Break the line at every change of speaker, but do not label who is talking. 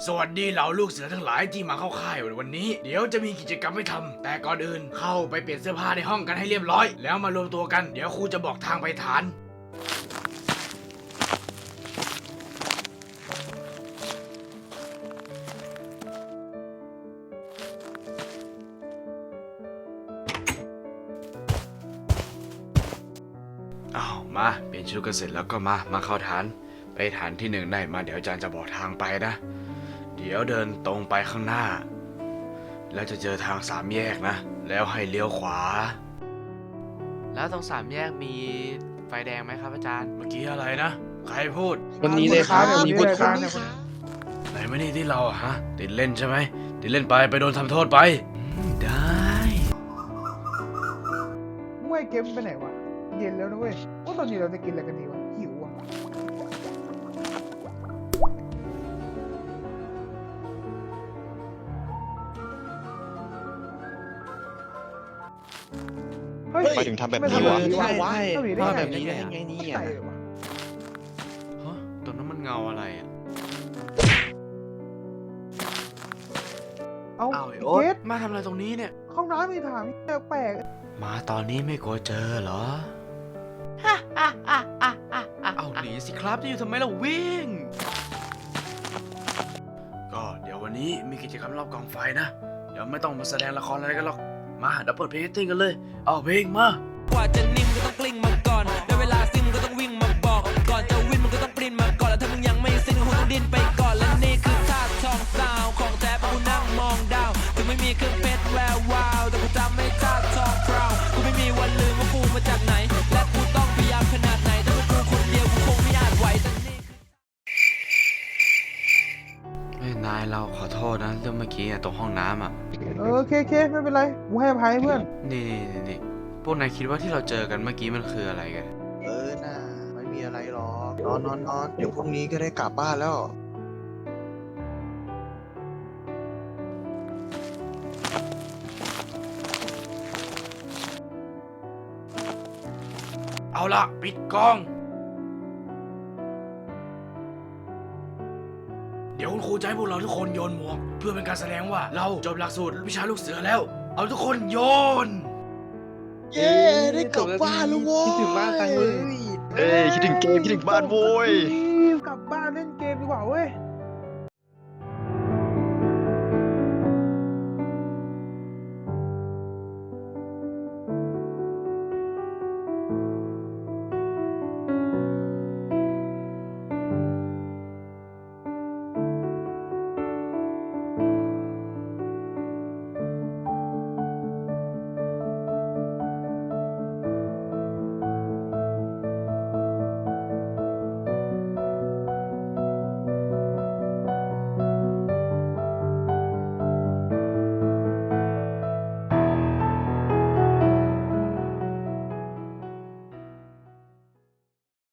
สวัสดีเหล่าลูกเสือทั้งหลายที่มาเข้าค่ายวันนี้เดี๋ยวจะมีกิจกรรมให้ทำแต่ก่อนอื่นเข้าไปเปลี่ยนเสื้อผ้าในห้องกันให้เรียบร้อยแล้วมารวมตัวกันเดี๋ยวครูจะบอกทางไปฐานอ้าวมาเปลี่ยนชุดกันเสร็จแล้วก็มาเข้าฐานไปฐานที่1ได้มาเดี๋ยวอาจารย์จะบอกทางไปนะเดี๋ยวเดินตรงไปข้างหน้าแล้วจะเจอทาง3 แยกนะแล้วให้เลี้ยวขวา
แล้วตรง3 แยกมีไฟแดงไหมครับอาจารย์
เมื่อกี้อะไรนะใครพูด
วันนี้เลยครับวันนี้เลยครับ
ไหนมานี่ที่เราอะฮะติดเล่นใช่ไหมติดเล่นไปโดนทำโทษไปได้
เมื่อเกมไปไหนวะเย็นแล้วนะเว้ยว่าตอนนี้เราจะกินอะไรกันดีวะหิวอ่ะ
ไปถึงทำแบบนี้วะ
ใช่
ว่าแบบนี้ได้ไงเนี่ย
ฮะตรงนั้นมันเงาอะไรอะ
เอา
อ้าวไอ้โอ๊ต
เกส
มาทำอะไรตรงนี้เนี่ย
ห้องน้ำมีถามแปลก
มาตอนนี้ไม่กลัวเจอเหรอ
เอาหนีสิครับจะอยู่ทำไมเราวิ่ง
ก็เดี๋ยววันนี้มีกิจกรรมรอบกองไฟนะเดี๋ยวไม่ต้องมาแสดงละครอะไรกันหรอกมาเดี๋ยวเปิดเพลงติ้งกันเลยเอาเพลงมาก
ว่าจะนิ่งก็ต้องกลิ้งมาก่อนได้เวลาซิ่งก็ต้องวิ่งมาบอกก่อนจะวิ่งมันก็ต้องปริ้นมาก่อนแล้วถ้ามึงยังไม่ซิ่งก็คงต้องดิ้นไปก่อนและนี่คือท่าทองสาวของแท้เพราะกูนั่งมองดาวถึงไม่มีเครื่องเพชรแวววาวแต่กูจำไม่ท่าทองพราวกูไม่มีวันลืมว่ากูมาจากไหนและกูต้องพยายามขนาดไหนถ้าเป็นกูคนเดียวกูคงไม่อาจไหวแต่นี่
นายเราขอโทษนะเรื่องเมื่อกี้ตรงห้องน้ำอ่ะ
โอเคไม่เป็นไรกูให้อภัยเพื่อน
นี่พวกนายคิดว่าที่เราเจอกันเมื่อกี้มันคืออะไรกัน
น่าไม่มีอะไรหรอกนอนเดี๋ยวพรุ่งนี้ก็ได้กลับบ้านแล้ว
เอาละปิดกล้อง เดี๋ยวคุณครูจะให้พวกเราทุกคนโยนหมวกเพื่อเป็นการแสดงว่าเราจบหลักสูตรวิชาลูกเสือแล้ว เอาทุกคนโยน
เย้ได้กลับบ้านแล้วโว้ย
คิดถึงบ้านจังเลย
คิดถึงเกมคิดถึงบ้านโว้ย
ย